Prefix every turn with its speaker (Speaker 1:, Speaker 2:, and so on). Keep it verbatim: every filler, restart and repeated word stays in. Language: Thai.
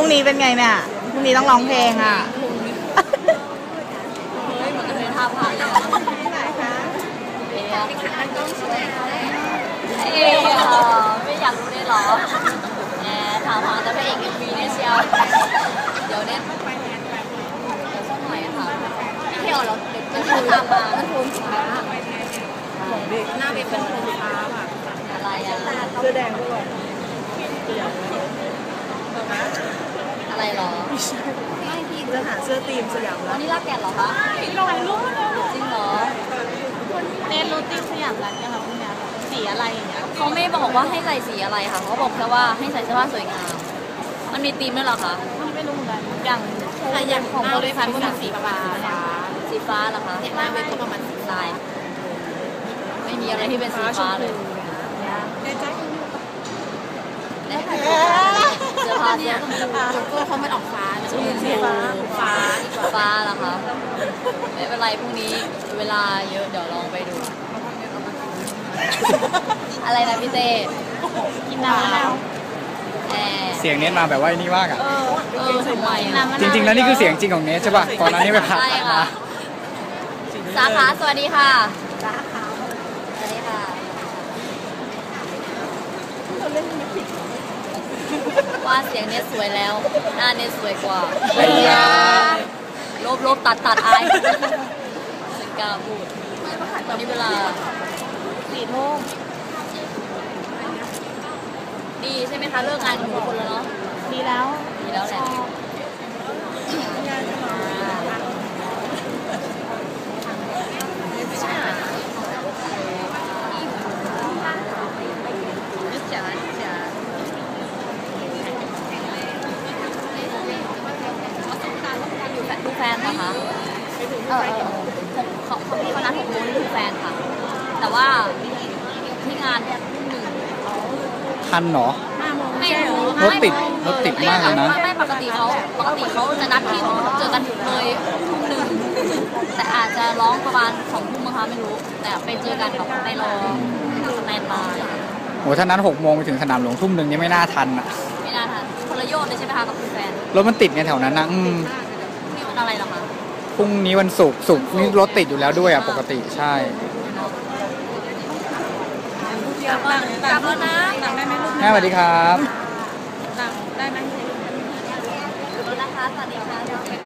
Speaker 1: รุ่งนี้เป็นไงเนี่ยพรุ่งนี้ต้องร้องเพลงอ่ะ
Speaker 2: เฮ้ยเหมือนกันเลยท่าผ่านเลยไหนคะเอ๊ะต้องสวยเอ๊ะไม่อยากรู้ได้หรอแหมถามหาแต่พระเอกเอ็มวีเนี่ยเชียวเดี๋ยวเนี่ยไปแทนไปเดี๋ยวสักหน่อยค่ะพี่เที่ยวเราเด็กจะพูดตามมาโทนฟ้าหน้าเป็นโทนฟ้าค่ะอะไรอ่ะ
Speaker 1: เสื้อแดงด้วย
Speaker 2: อะไรหรอ
Speaker 1: ไม่พี่จะหาเสื้อตีมสยามรัฐ
Speaker 2: อันนี้รักแก่หรอคะลอยรูปจริงเหรอ
Speaker 1: เน้นรูตีมสยามรัฐเนี่ยค่ะพี่แม่สีอะไรอย่างเงี้ย
Speaker 2: เขาไม่บอกว่าให้ใส่สีอะไรค่ะเขาบอกแค่ว่าให้ใส่เสื้อผ้าสวยงามมันมีธีมด้วยหรอคะ
Speaker 1: ไม่รู้เหมือนกันอย่างอย่างของบริษัทก็เป็นสีฟ้า
Speaker 2: สีฟ้าเหรอคะ
Speaker 1: หน้าเวทีประมาณสี
Speaker 2: ลายไม่มีอะไรที่เป็นสีฟ้าเลยได้ค่ะเสื้อผ้าเนี่ย
Speaker 1: โลโก้เขาไม่ออกฟ้า
Speaker 2: สีฟ้าฟ้าฟ้าเหรอคะไม่เป็นไรพรุ่งนี้เวลาเยอะเดี๋ยวลองไปดูอะไรนะพี่เต้
Speaker 1: กินน้ำแล้ว
Speaker 3: เสียงเน็ตมาแบบว่านี่มากอ่ะ
Speaker 2: เออทำไม
Speaker 3: จริงๆแล้วนี่คือเสียงจริงของเน็ตใช่ป่ะก่อนหน้านี้ไปผ่านมา
Speaker 2: สาขาสวัสดีค่ะสาขาสวัสดีค่ะว่าเสียงเน็ตสวยแล้วหน้าเน็ตสวยกว่าลบลบตัดตัดอายสิกาพูดตอนนี้เวลา
Speaker 1: สี่ทุ่ม
Speaker 2: ดีใช่ไหมคะเลิกงานกันทุกคนแล้วเนาะ
Speaker 1: ดีแล้ว
Speaker 2: ดีแล้วแหละดูแฟนเหรอคะเออเขาเขาพี่เขานัดหกโมงนี่คือแฟนค่ะแต่ว่าที่งานเนี่ยทุ่มหนึ่ง
Speaker 3: ทันเหรอ
Speaker 2: ไม่รู้
Speaker 3: รถติดรถติดมากเลยนะ
Speaker 2: ไม่ปกติเขาปกติเขาจะนัดที่เจอกันเลยทุ่มหนึ่งแต่อาจจะร้องประมาณสองทุ่มนะคะไม่รู้แต่ไปเจอกันแบบไปรอสแตนบาย
Speaker 3: โอ้ถ้านั้นหกโมงไปถึงสนามหลวงทุ่มหนึ่งนี่ไม่น่าทันอ่ะ
Speaker 2: ไม่น่าทันคนละโยชน์เลยใช่ไหมคะกับคุณแฟน
Speaker 3: รถมันติดไงแถวนั้นนะอืม
Speaker 2: นี่วันอะไรหรอคะ
Speaker 3: พรุ่งนี้วันศุกร์ศุกร์นี่รถติดอยู่แล้วด้วยอ่ะปกติใช่
Speaker 2: กลับแล้วกลับแล้วนะได้ไหมลูก
Speaker 3: แม่สวัสดีครับ
Speaker 2: ได้ไหมนะคะสวัสดีค่ะ